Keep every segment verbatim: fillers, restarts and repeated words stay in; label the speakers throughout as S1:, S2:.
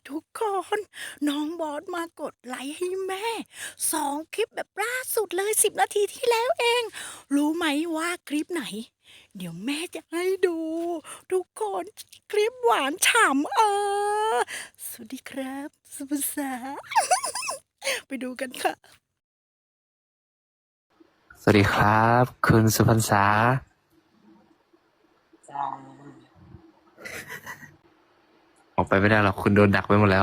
S1: ทุกคนน้องบอสมากดไลค์ให้แม่สองคลิปแบบล่าสุดเลยสิบนาทีที่แล้วเอง รู้ไหมว่าคลิปไหน เดี๋ยวแม่จะให้ดู ทุกคนคลิปหวานฉ่ำเออสวัสดีครับสุภาษา ไปดูกันค่ะ
S2: สวัสดีครับ คุณสุพรรษา
S3: จ้า
S2: ออกไปไม่ได้หรอกคุณโดนดักไว้หมดแล้ว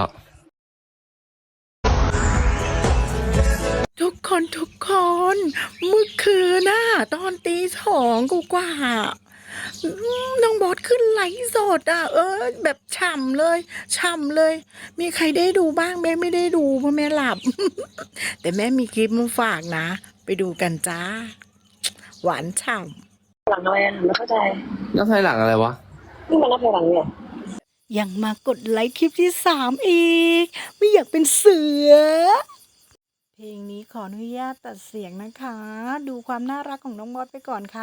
S1: ทุกคนทุกคนเมื่อคืนน่ะตอนตีสองกูกว่าๆอืมน้องบอสขึ้นไลฟ์สดอ่ะ เออ แบบฉ่ำเลยฉ่ำเลย มีใครได้ดูบ้างแม่ไม่ได้ดูเพราะแม่หลับ แต่แม่มีคลิปมาฝากนะ ไปดูกันจ้า หวานฉ่
S3: หลังอะไรอ่ะไม่เข้าใจ
S2: แล้วภายหลังอะไรวะ
S3: นี่มันนับถอยหลังเนี่ย
S1: ำยังมากดไลค์คลิปที่สามอีก ไม่อยากเป็นเสือ เพลงนี้ขออนุญาตตัดเสียงนะคะ ดูความน่ารักของน้องบอสไปก่อนค่ะ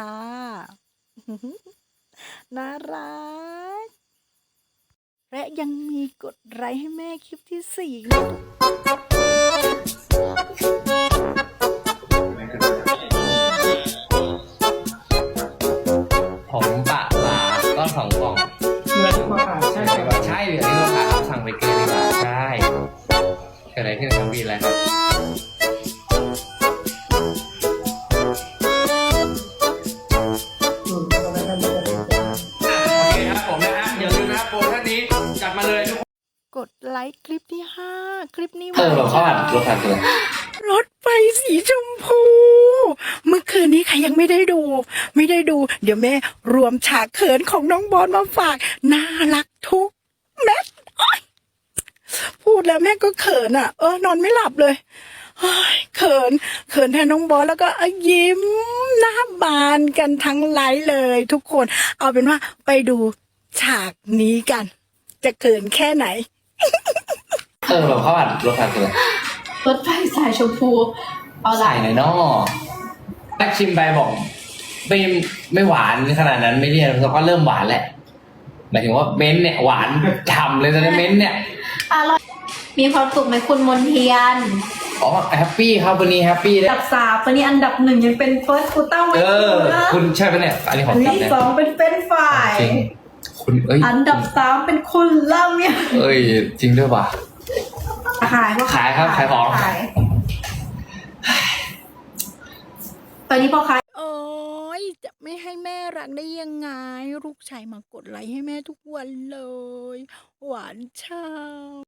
S1: น่ารัก และยังมีกดไลค์ให้แม่คลิปที่สี่นะ
S2: ผมปะปลาก็สองกล่อง
S4: เหลือที่มาขายใช่ไหมครับ
S2: ใช่เหลือที่เราขายครับสั่งไปเกินดีกว่าใช่เกิดอะไรขึ้นครับพี่อะไรครับ
S4: อืมตอนนั้นมันจะเป็น
S2: โอเคครับผมนะฮะอย่าลืมนะครับโปรท่านนี้จัดมาเลยทุกคน
S1: กดไลค์คลิปที่ห้าคลิปนี้
S2: เออเราเข้าอ่านรถคันเลย
S1: รถไฟสีชมพู เมื่อคืนนี้ใครยังไม่ได้ดู ไม่ได้ดู เดี๋ยวแม่รวมฉากเขินของน้องบอลมาฝาก น่ารักทุกเม็ดโอ๊ยพูดแล้วแม่ก็เขินอ่ะ เออนอนไม่หลับเลยเฮ้ยเขิน เขินแทนน้องบอลแล้วก็ยิ้มหน้าบานกันทั้งไลฟ์เลย ทุกคน เอาเป็นว่าไปดูฉากนี้กัน จะเขินแค่ไหน
S2: เออเราเข้าอ่านรถคันเลย
S5: รถไฟสายชมพูเอาละ
S2: ใส่หน่อยเนาะแรกชิมไปบอกไม่ไม่หวานขนาดนั้นไม่เรียนแล้วก็เริ่มหวานแหละหมายถึงว่าเม้นท์เนี่ยหวานฉ่ำเลยตอนนี้เม้นท์เนี่ย
S5: อร่อยมีความสุขไหมคุณมนเทียน
S2: อ๋อแฮปปี้ครับวันนี้แฮปปี้
S5: อั
S2: ได้
S5: นดับสามวันนี้อันดับหนึ่งยังเป็นเฟิร์สกูตั้งไว้
S2: เออ
S5: นะ
S2: คุณใช่ปะเนี่ยอันนี้ของ
S5: อัน
S2: จริ
S5: ดั
S2: ง
S5: บ
S2: นะ
S5: สองเป็นเฟรนช์ฟราย
S2: จริงคุณเอ้ย
S5: อันดับสามเป็นคุณเล่าเนี่ย
S2: เอ้ยจริงด้วยป่ะ
S5: ขายก็
S2: ขายครับขายของ
S5: ขายตอนนี้พอขาย
S1: โอ้ยจะไม่ให้แม่รักได้ยังไง ลูกชายมากดไลค์ให้แม่ทุกวันเลย หวานช่ำ